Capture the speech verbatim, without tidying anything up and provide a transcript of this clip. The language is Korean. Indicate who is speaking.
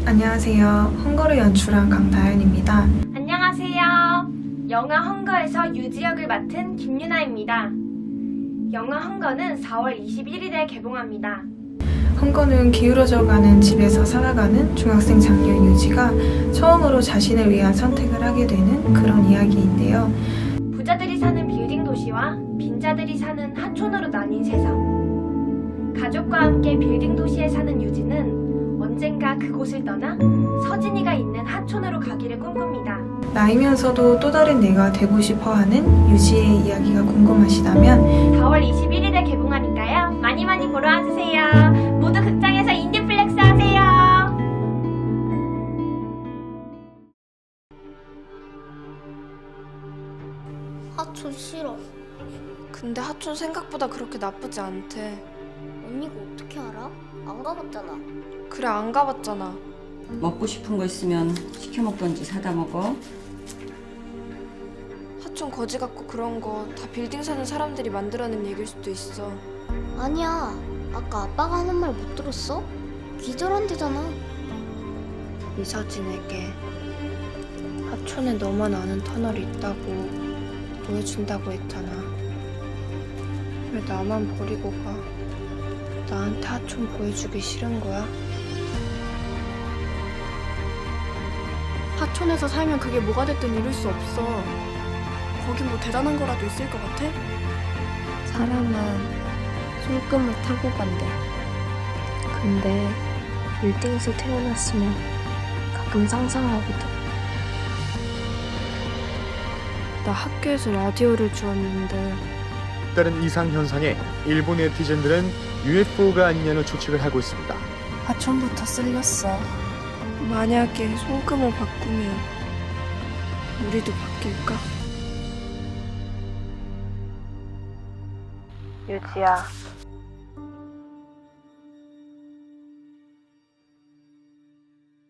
Speaker 1: 안녕하세요. 헝거를 연출한 강다현입니다.
Speaker 2: 안녕하세요. 영화 헝거에서 유지 역을 맡은 김유나입니다. 영화 헝거는 사월 이십일일에 개봉합니다.
Speaker 1: 헝거는 기울어져가는 집에서 살아가는 중학생 장녀 유지가 처음으로 자신을 위한 선택을 하게 되는 그런 이야기인데요.
Speaker 2: 부자들이 사는 빌딩 도시와 빈자들이 사는 하촌으로 나뉜 세상. 가족과 함께 빌딩 도시에 사는 유지는 언젠가 그곳을 떠나 서진이가 있는 하촌으로 가기를 꿈꿉니다.
Speaker 1: 나이면서도 또 다른 내가 되고 싶어하는 유지의 이야기가 궁금하시다면
Speaker 2: 사월 이십일일에 개봉하니까요. 많이 많이 보러 와주세요. 모두 극장에서 인디플렉스 하세요.
Speaker 3: 하촌 싫어.
Speaker 4: 근데 하촌 생각보다 그렇게 나쁘지 않대.
Speaker 3: 언니가 어떻게 알아? 안 가봤잖아.
Speaker 4: 그래, 안 가봤잖아.
Speaker 5: 먹고 싶은 거 있으면 시켜 먹던지 사다 먹어.
Speaker 4: 하촌 거지 같고 그런 거 다 빌딩 사는 사람들이 만들어낸 얘기일 수도 있어.
Speaker 3: 아니야. 아까 아빠가 하는 말 못 들었어? 기절한대잖아.
Speaker 4: 이서진에게 하촌에 너만 아는 터널이 있다고 보여준다고 했잖아. 왜 나만 버리고 가? 나한테 하촌 보여주기 싫은 거야?
Speaker 6: 하촌에서 살면 그게 뭐가 됐든 이룰 수 없어. 거긴 뭐 대단한 거라도 있을 것 같아?
Speaker 7: 사람은 손금을 타고 간대. 근데 빌딩에서 태어났으면 가끔 상상하거든.
Speaker 4: 나 학교에서 라디오를 주었는데
Speaker 8: 다른 이상 현상에 일본 네티즌들은 유에프오가 아니냐는 추측을 하고 있습니다.
Speaker 4: 하촌부터 쓸렸어. 만약에 손금을 바꾸면 우리도 바뀔까? 유지야,